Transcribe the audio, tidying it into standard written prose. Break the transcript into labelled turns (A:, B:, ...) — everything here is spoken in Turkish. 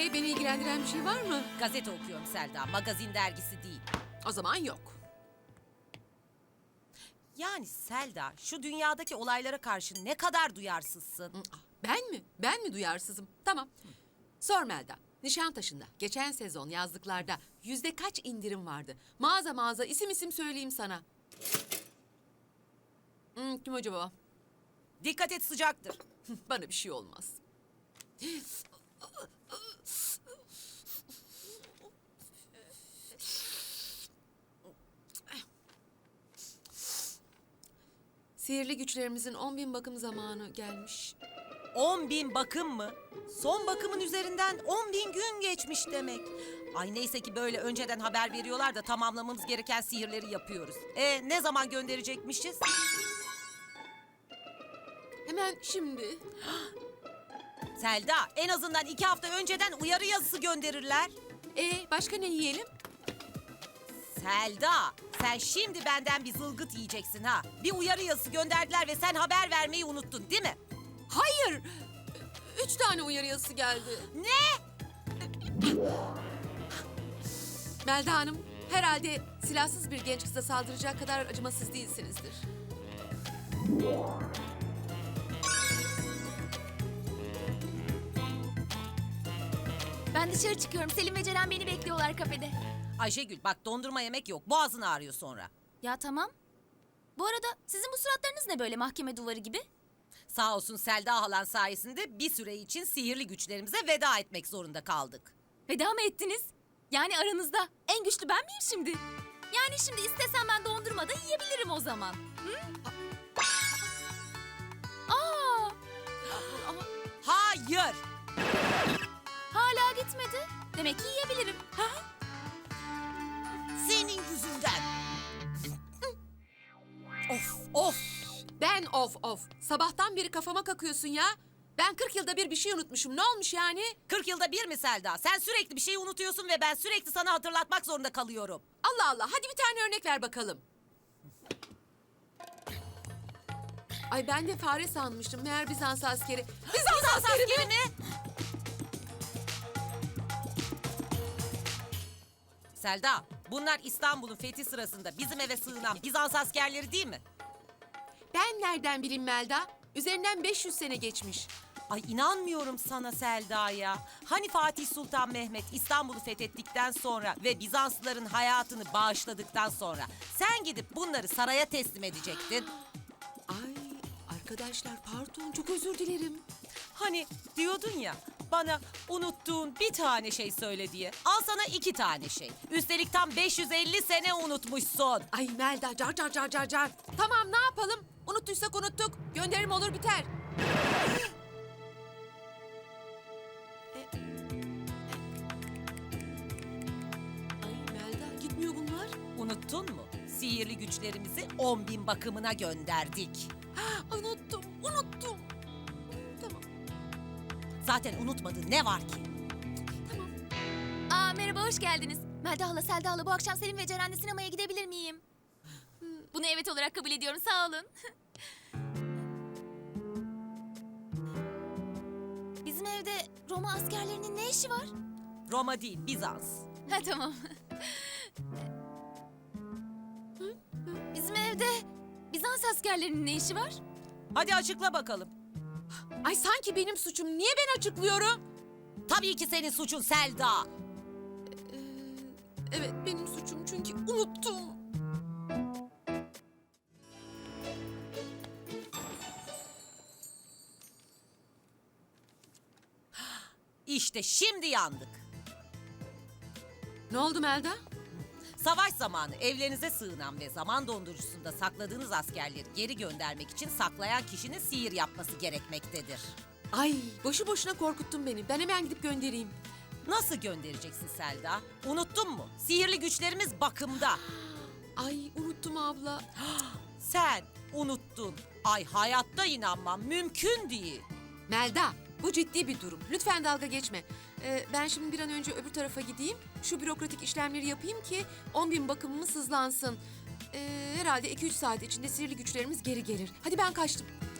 A: Beni ilgilendiren bir şey var mı?
B: Gazete okuyorum Selda, magazin dergisi değil.
A: O zaman yok.
B: Yani Selda, şu dünyadaki olaylara karşı ne kadar duyarsızsın.
A: Ben mi? Ben mi duyarsızım? Tamam. Sor Melda. Nişantaşı'nda geçen sezon yazlıklarda kaç indirim vardı? Mağaza mağaza isim söyleyeyim sana. Kim acaba?
B: Dikkat et, sıcaktır.
A: Bana bir şey olmaz. Sihirli güçlerimizin 10.000 bakım zamanı gelmiş.
B: 10.000 bakım mı? Son bakımın üzerinden 10.000 gün geçmiş demek. Ay neyse ki böyle önceden haber veriyorlar da tamamlamamız gereken sihirleri yapıyoruz. Ne zaman gönderecekmişiz?
A: Hemen şimdi.
B: Selda, en azından 2 hafta önceden uyarı yazısı gönderirler.
A: Başka ne yiyelim?
B: Selda, sen şimdi benden bir zılgıt yiyeceksin ha. Bir uyarı yazısı gönderdiler ve sen haber vermeyi unuttun değil mi?
A: Hayır. 3 tane uyarı yazısı geldi.
B: Ne?
A: Melda Hanım, herhalde silahsız bir genç kıza saldıracak kadar acımasız değilsinizdir.
C: Ben dışarı çıkıyorum. Selim ve Ceren beni bekliyorlar kafede.
B: Ayşegül bak, dondurma yemek yok. Boğazın ağrıyor sonra.
C: Ya tamam. Bu arada sizin bu suratlarınız ne böyle mahkeme duvarı gibi?
B: Sağ olsun Selda halan sayesinde bir süre için sihirli güçlerimize veda etmek zorunda kaldık.
C: Veda mı ettiniz? Yani aranızda en güçlü ben miyim şimdi? Yani şimdi istesem ben dondurma da yiyebilirim o zaman. Hı? Aa! Ama
B: Hayır!
C: hala gitmedi. Demek ki yiyebilirim. Ha?
B: Senin yüzünden. Of of!
A: Ben of. Sabahtan beri kafama kakıyorsun ya. Ben 40 yılda bir şey unutmuşum. Ne olmuş yani?
B: 40 yılda bir mi Selda? Sen sürekli bir şeyi unutuyorsun ve ben sürekli sana hatırlatmak zorunda kalıyorum.
A: Allah Allah. Hadi bir tane örnek ver bakalım. Ay ben de fare sanmıştım. Meğer Bizans askeri. Bizans askeri mi?
B: Selda, bunlar İstanbul'un fethi sırasında bizim eve sığınan Bizans askerleri değil mi?
A: Ben nereden bileyim Melda? Üzerinden 500 sene geçmiş.
B: Ay inanmıyorum sana Selda ya. Hani Fatih Sultan Mehmet İstanbul'u fethettikten sonra ve Bizanslıların hayatını bağışladıktan sonra sen gidip bunları saraya teslim edecektin.
A: Ay arkadaşlar pardon çok özür dilerim.
B: Hani diyordun ya, bana unuttuğun bir tane şey söyle diye. Al sana 2 tane şey. Üstelik tam 550 sene unutmuşsun.
A: Ay Melda car. Tamam ne yapalım? Unuttuysak unuttuk. Gönderim olur biter. Ay Melda gitmiyor bunlar.
B: Unuttun mu? Sihirli güçlerimizi 10.000 bakımına gönderdik.
A: Unuttum. Tamam.
C: Zaten unutmadın ne var ki?
A: Tamam.
C: Aa merhaba hoş geldiniz. Melda hala, Selda hala bu akşam Selim ve Ceren'le sinemaya gidebilir miyim? Bunu evet olarak kabul ediyorum sağ olun. Bizim evde Roma askerlerinin ne işi var?
B: Roma değil, Bizans.
C: Ha tamam. Bizim evde Bizans askerlerinin ne işi var?
B: Hadi açıkla bakalım.
A: Ay sanki benim suçum. Niye ben açıklıyorum?
B: Tabii ki senin suçun Selda.
A: Evet benim suçum çünkü unuttum.
B: İşte şimdi yandık.
A: Ne oldu Melda?
B: Savaş zamanı evlerinize sığınan ve zaman dondurucusunda sakladığınız askerleri geri göndermek için saklayan kişinin sihir yapması gerekmektedir.
A: Ay boşu boşuna korkuttun beni. Ben hemen gidip göndereyim.
B: Nasıl göndereceksin Selda? Unuttun mu? Sihirli güçlerimiz bakımda.
A: Ay unuttum abla.
B: Sen unuttun. Ay hayatta inanmam, mümkün değil.
A: Melda bu ciddi bir durum. Lütfen dalga geçme. Ben şimdi bir an önce öbür tarafa gideyim. Şu bürokratik işlemleri yapayım ki 10.000 bakımımız hızlansın. Herhalde 2-3 saat içinde sihirli güçlerimiz geri gelir. Hadi ben kaçtım.